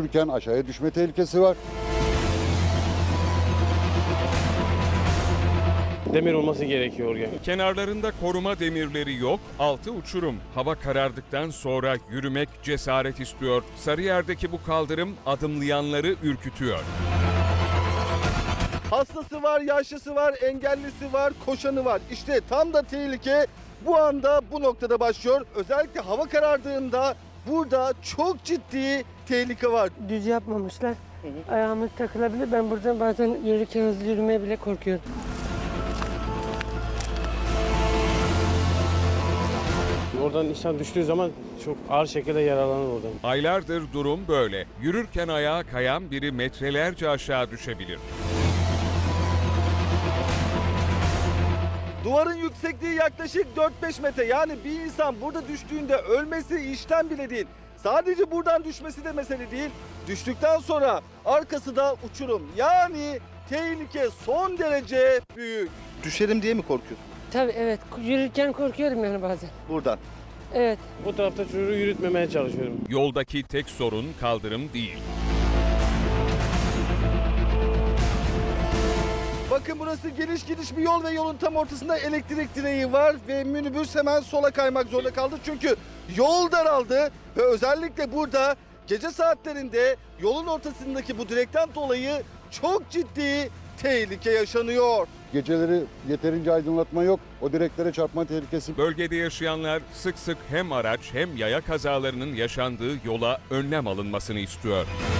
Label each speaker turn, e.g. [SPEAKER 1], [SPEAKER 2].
[SPEAKER 1] yürürken aşağıya düşme tehlikesi var.
[SPEAKER 2] Demir olması gerekiyor yani.
[SPEAKER 3] Kenarlarında koruma demirleri yok, altı uçurum. Hava karardıktan sonra yürümek cesaret istiyor. Sarıyer'deki bu kaldırım adımlayanları ürkütüyor.
[SPEAKER 4] Hastası var, yaşlısı var, engellisi var, koşanı var. İşte tam da tehlike bu anda bu noktada başlıyor. Özellikle hava karardığında burada çok ciddi tehlike var.
[SPEAKER 5] Düz yapmamışlar. Ayağımız takılabilir. Ben buradan bazen yürürken hızlı yürümeye bile korkuyorum.
[SPEAKER 2] Oradan insan düştüğü zaman çok ağır şekilde yaralanır oradan.
[SPEAKER 3] Aylardır durum böyle. Yürürken ayağa kayan biri metrelerce aşağı düşebilir.
[SPEAKER 4] Duvarın yüksekliği yaklaşık 4-5 metre. Yani bir insan burada düştüğünde ölmesi işten bile değil. Sadece buradan düşmesi de mesele değil. Düştükten sonra arkası da uçurum. Yani tehlike son derece büyük. Düşerim diye mi korkuyorsun
[SPEAKER 5] Tabii evet. Yürürken korkuyorum yani bazen.
[SPEAKER 4] buradan?
[SPEAKER 5] Evet.
[SPEAKER 2] Bu tarafta çocuğu yürütmemeye çalışıyorum.
[SPEAKER 3] Yoldaki tek sorun kaldırım değil.
[SPEAKER 4] Bakın burası geniş bir yol ve yolun tam ortasında elektrik direği var ve minibüs hemen sola kaymak zorunda kaldı. Çünkü yol daraldı ve özellikle burada gece saatlerinde yolun ortasındaki bu direkten dolayı çok ciddi tehlike yaşanıyor.
[SPEAKER 1] Geceleri yeterince aydınlatma yok. O direklere çarpma tehlikesi.
[SPEAKER 3] Bölgede yaşayanlar sık sık hem araç hem yaya kazalarının yaşandığı yola önlem alınmasını istiyor.